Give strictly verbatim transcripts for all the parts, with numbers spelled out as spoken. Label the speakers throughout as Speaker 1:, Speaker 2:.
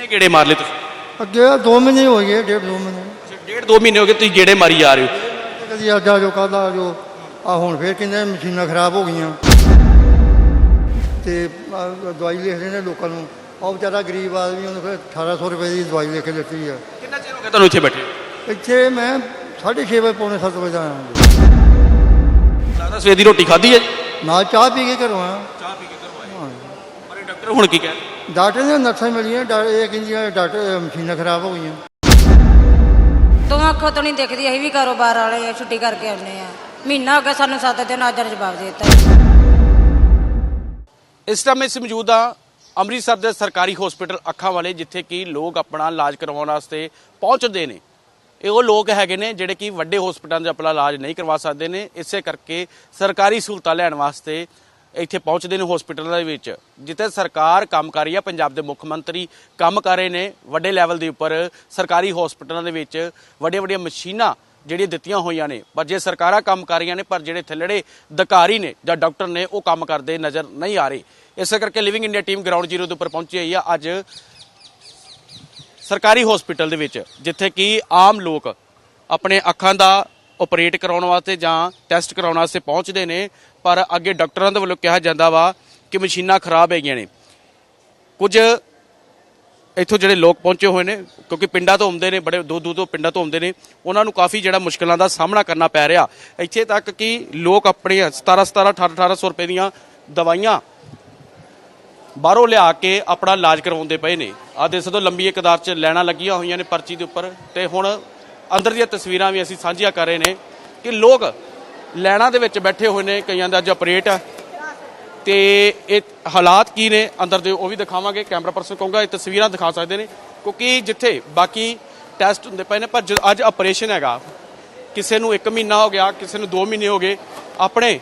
Speaker 1: ਕਿੰਨੇ ਗੇੜੇ ਮਾਰ ਲਏ ਤੁਸੀਂ?
Speaker 2: ਅੱਗੇ ਦੋ ਮਹੀਨੇ ਹੋ ਗਏ, ਡੇਢ ਦੋ ਮਹੀਨੇ।
Speaker 1: ਡੇਢ ਦੋ ਮਹੀਨੇ ਹੋ ਗਏ ਤੁਸੀਂ ਗੇੜੇ ਮਾਰੀ ਜਾ ਰਹੇ ਹੋ।
Speaker 2: ਕਦੀ ਅੱਜ ਆ ਜੋ ਕੱਲ੍ਹ ਆ ਜੋ ਆ ਹੁਣ ਫੇਰ ਕਹਿੰਦੇ ਮਸ਼ੀਨਾਂ ਖਰਾਬ ਹੋ ਗਈਆਂ ਤੇ ਆਹ ਦਵਾਈ ਲਿਖ ਰਹੇ ਨੇ ਲੋਕਾਂ ਨੂੰ। ਉਹ ਵਿਚਾਰਾ ਗਰੀਬ ਆਦਮੀ, ਉਹਨੂੰ ਫਿਰ ਅਠਾਰਾਂ ਸੌ ਰੁਪਏ ਦੀ ਦਵਾਈ ਲਿਖ ਕੇ ਦਿੱਤੀ ਆ।
Speaker 1: ਕਿੰਨਾ ਚਿਰ ਹੋ ਗਿਆ ਤੁਹਾਨੂੰ ਇੱਥੇ ਬੈਠੇ?
Speaker 2: ਇੱਥੇ ਮੈਂ ਸਾਢੇ ਛੇ ਵਜੇ ਪੌਣੇ ਸੱਤ ਵਜੇ ਦਾ ਆਇਆ।
Speaker 1: ਲੱਗਦਾ ਸਵੇਰ ਦੀ ਰੋਟੀ ਖਾਧੀ ਹੈ ਜੀ?
Speaker 2: ਨਾਲ ਚਾਹ ਪੀ ਕੇ ਘਰੋਂ ਆਇਆ।
Speaker 1: ਚਾਹ ਪੀ ਕੇ ਘਰੋਂ ਆਏ। ਪਰ ਇਹ ਡਾਕਟਰ ਹੁਣ ਕੀ ਕਹਿ ਰਹੇ?
Speaker 2: ਡਾਕਟਰ ਨੇ ਨਰਸਾਂ ਮਿਲੀਆਂ, ਡਾ- ਇਹ ਕਹਿੰਦੀਆਂ ਡਾਕਟਰ ਮਸ਼ੀਨਾਂ ਖਰਾਬ ਹੋ ਗਈਆਂ।
Speaker 3: ਦੋ ਅੱਖਾਂ ਤੋਂ ਨਹੀਂ ਦਿਖਦੀ, ਅਸੀਂ ਵੀ ਕਾਰੋਬਾਰ ਵਾਲੇ ਆ, ਛੁੱਟੀ ਕਰਕੇ ਆਉਂਦੇ ਆ। ਮਹੀਨਾ ਹੋ ਗਿਆ ਸਾਨੂੰ, ਸੱਤ ਦਿਨ ਅੱਜ ਜਵਾਬ ਦੇ ਦਿੱਤਾ।
Speaker 1: ਇਸ ਟਾਈਮ ਅਸੀਂ ਮੌਜੂਦ ਹਾਂ ਅੰਮ੍ਰਿਤਸਰ ਦੇ ਸਰਕਾਰੀ ਹਸਪੀਟਲ ਅੱਖਾਂ ਵਾਲੇ, ਜਿੱਥੇ ਕਿ ਲੋਕ ਆਪਣਾ ਇਲਾਜ ਕਰਵਾਉਣ ਵਾਸਤੇ ਪਹੁੰਚਦੇ ਨੇ। ਇਹ ਉਹ ਲੋਕ ਹੈਗੇ ਨੇ ਜਿਹੜੇ ਕਿ ਵੱਡੇ ਹਸਪਤਾਲਾਂ 'ਚ ਆਪਣਾ ਇਲਾਜ ਨਹੀਂ ਕਰਵਾ ਸਕਦੇ ਨੇ, ਇਸੇ ਕਰਕੇ ਸਰਕਾਰੀ ਸਹੂਲਤਾਂ ਲੈਣ ਵਾਸਤੇ ਇੱਥੇ ਪਹੁੰਚਦੇ ਨੇ ਹਸਪੀਟਲਾਂ ਦੇ ਵਿੱਚ, ਜਿੱਥੇ ਸਰਕਾਰ ਕੰਮ ਕਰ ਰਹੀ ਹੈ। ਪੰਜਾਬ ਦੇ ਮੁੱਖ ਮੰਤਰੀ ਕੰਮ ਕਰ ਰਹੇ ਨੇ ਵੱਡੇ ਲੈਵਲ ਦੇ ਉੱਪਰ ਸਰਕਾਰੀ ਹਸਪੀਟਲਾਂ ਦੇ ਵਿੱਚ ਵੱਡੀਆਂ ਵੱਡੀਆਂ ਮਸ਼ੀਨਾਂ ਜਿਹੜੀਆਂ ਦਿੱਤੀਆਂ ਹੋਈਆਂ ਨੇ। ਪਰ ਜੇ ਸਰਕਾਰਾਂ ਕੰਮ ਕਰ ਰਹੀਆਂ ਨੇ, ਪਰ ਜਿਹੜੇ ਥੱਲੜੇ ਅਧਿਕਾਰੀ ਨੇ ਜਾਂ ਡਾਕਟਰ ਨੇ ਉਹ ਕੰਮ ਕਰਦੇ ਨਜ਼ਰ ਨਹੀਂ ਆ ਰਹੇ। ਇਸੇ ਕਰਕੇ living India team ground zero ਦੇ ਉੱਪਰ ਪਹੁੰਚੀ ਹੋਈ ਆ ਅੱਜ ਸਰਕਾਰੀ ਹਸਪੀਟਲ ਦੇ ਵਿੱਚ, ਜਿੱਥੇ ਕਿ ਆਮ ਲੋਕ ਆਪਣੇ ਅੱਖਾਂ ਦਾ ਆਪਰੇਟ ਕਰਾਉਣ ਵਾਸਤੇ ਜਾਂ ਟੈਸਟ ਕਰਾਉਣ ਵਾਸਤੇ ਪਹੁੰਚਦੇ ਨੇ। ਪਰ ਅੱਗੇ ਡਾਕਟਰਾਂ ਦੇ ਵੱਲੋਂ ਕਿਹਾ ਜਾਂਦਾ ਵਾ ਕਿ ਮਸ਼ੀਨਾਂ ਖਰਾਬ ਹੈਗੀਆਂ ਨੇ। ਕੁਝ ਇੱਥੋਂ ਜਿਹੜੇ ਲੋਕ ਪਹੁੰਚੇ ਹੋਏ ਨੇ, ਕਿਉਂਕਿ ਪਿੰਡਾਂ ਤੋਂ ਆਉਂਦੇ ਨੇ, ਬੜੇ ਦੂਰ ਦੂਰ ਤੋਂ ਪਿੰਡਾਂ ਤੋਂ ਆਉਂਦੇ ਨੇ, ਉਹਨਾਂ ਨੂੰ ਕਾਫੀ ਜਿਹੜਾ ਮੁਸ਼ਕਲਾਂ ਦਾ ਸਾਹਮਣਾ ਕਰਨਾ ਪੈ ਰਿਹਾ। ਇੱਥੇ ਤੱਕ ਕਿ ਲੋਕ ਆਪਣੇ ਸਤਾਰਾਂ ਸਤਾਰਾਂ ਅਠਾਰਾਂ ਅਠਾਰਾਂ ਸੌ ਰੁਪਏ ਦੀਆਂ ਦਵਾਈਆਂ ਬਾਹਰੋਂ ਲਿਆ ਕੇ ਆਪਣਾ ਇਲਾਜ ਕਰਵਾਉਂਦੇ ਪਏ ਨੇ। ਆਹ ਦੇਖ ਸਕਦੇ ਹੋ ਲੰਬੀ ਕਤਾਰ 'ਚ ਲਾਈਨਾਂ ਲੱਗੀਆਂ ਹੋਈਆਂ ਨੇ ਪਰਚੀ ਦੇ ਉੱਪਰ। ਤੇ ਹੁਣ ਅੰਦਰ ਦੀਆਂ ਤਸਵੀਰਾਂ ਵੀ ਅਸੀਂ ਸਾਂਝੀਆਂ ਕਰ ਰਹੇ ਨੇ ਕਿ ਲੋਕ ਲਾਈਨਾਂ ਦੇ ਵਿੱਚ ਬੈਠੇ ਹੋਏ ਨੇ। ਕਈਆਂ ਦਾ ਅੱਜ ਆਪਰੇਟ ਆ ਤੇ ਇਹ ਹਾਲਾਤ ਕੀ ਨੇ ਅੰਦਰ ਦੇ ਉਹ ਵੀ ਦਿਖਾਵਾਂਗੇ। ਕੈਮਰਾ ਪਰਸਨ ਕਹੂੰਗਾ ਇਹ ਤਸਵੀਰਾਂ ਦਿਖਾ ਸਕਦੇ ਨੇ, ਕਿਉਂਕਿ ਜਿੱਥੇ ਬਾਕੀ ਟੈਸਟ ਹੁੰਦੇ ਪਏ ਨੇ, ਪਰ ਅੱਜ ਆਪਰੇਸ਼ਨ ਹੈਗਾ। ਕਿਸੇ ਨੂੰ ਇੱਕ ਮਹੀਨਾ ਹੋ ਗਿਆ, ਕਿਸੇ ਨੂੰ ਦੋ ਮਹੀਨੇ ਹੋ ਗਏ। ਆਪਣੇ